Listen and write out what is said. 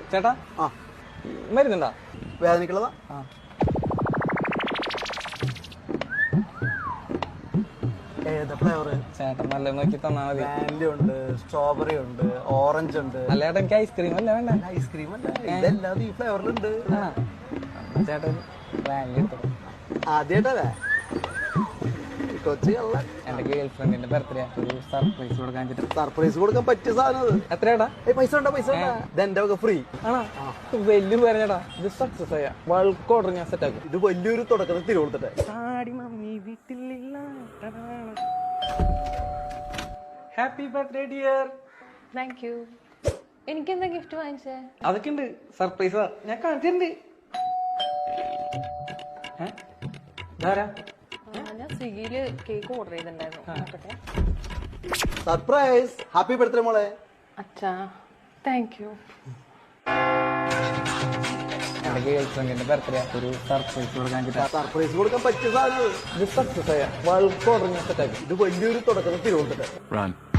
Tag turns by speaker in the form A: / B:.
A: ചേട്ടാ
B: ആ
A: മരുന്നുണ്ടാ?
B: വേദനക്കുള്ളതാ. ഏതാ ഫ്ലേവർ?
A: ചേട്ടൻ നല്ല നോക്കി തന്നാ മതി.
B: വാനില ഉണ്ട്, സ്ട്രോബെറി ഉണ്ട്, ഓറഞ്ച് ഉണ്ട്.
A: അല്ല ചേട്ടാ എനിക്ക് ഐസ്ക്രീം അല്ല വേണ്ട.
B: ഐസ്ക്രീം അല്ല, ഇതെല്ലാം ഈ ഫ്ലേവറിലുണ്ട്.
A: ചേട്ടൻ വാനില എടുത്തോ.
B: ആദ്യമായിട്ടല്ലേ കൊച്ചു കള്ളൻ.
A: എന്റെ ഗേൾ ഫ്രണ്ടിന്റെ ബർത്ത്ഡേ ഒരു സർപ്രൈസ് കൊടുക്കാൻ വെച്ചിട്ട്.
B: സർപ്രൈസ് കൊടുക്കാൻ പറ്റിയ സാധനം അത്.
A: എത്രയാടാ?
B: പൈസ ഉണ്ടോ? പൈസ ഉണ്ടോ? ഇത് എന്റെ വക ഫ്രീ
A: ആണോ? വലിയ പേര് ചേട്ടാ. ഇത് സക്സസ് ആയ ബൾക്ക് ഓർഡർ ഞാൻ സെറ്റ് ആക്കും.
B: ഇത് വലിയൊരു തുടക്കത്തിൽ തിരുവോളത്തിട്ടെ.
A: Happy birthday dear.
C: Thank you. എനിക്കെന്താ ഗിഫ്റ്റ് വാങ്ങിച്ചേ?
A: അതൊക്കെ ഉണ്ട്, സർപ്രൈസാ. ഞാൻ കാണിച്ചിട്ടുണ്ട്.
C: ഞാൻ സ്വിഗ്ഗിയില് കേക്ക് ഓർഡർ ചെയ്തിട്ടുണ്ടായിരുന്നു. നോക്കട്ടെ.
B: സർപ്രൈസ്. ഹാപ്പി ബർത്ത്ഡേ മോളെ.
C: അച്ഛാ താങ്ക് യു.
A: എന്റെ ഗേൾ ഫ്രണ്ടിന്റെ ബർത്ത്ഡേ ഒരു സർപ്രൈസ് കൊടുക്കാൻ വെച്ചിട്ട്.
B: സർപ്രൈസ് കൊടുക്കാൻ പറ്റിയ സാധനം അത്.
A: ഇത് സക്സസ് ആയ ബൾക്ക് ഓർഡർ ഞാൻ സെറ്റ് ആക്കും.
B: ഇത് വലിയൊരു തുടക്കത്തിൽ തിരുവോളത്തിട്ടെ.
D: Run.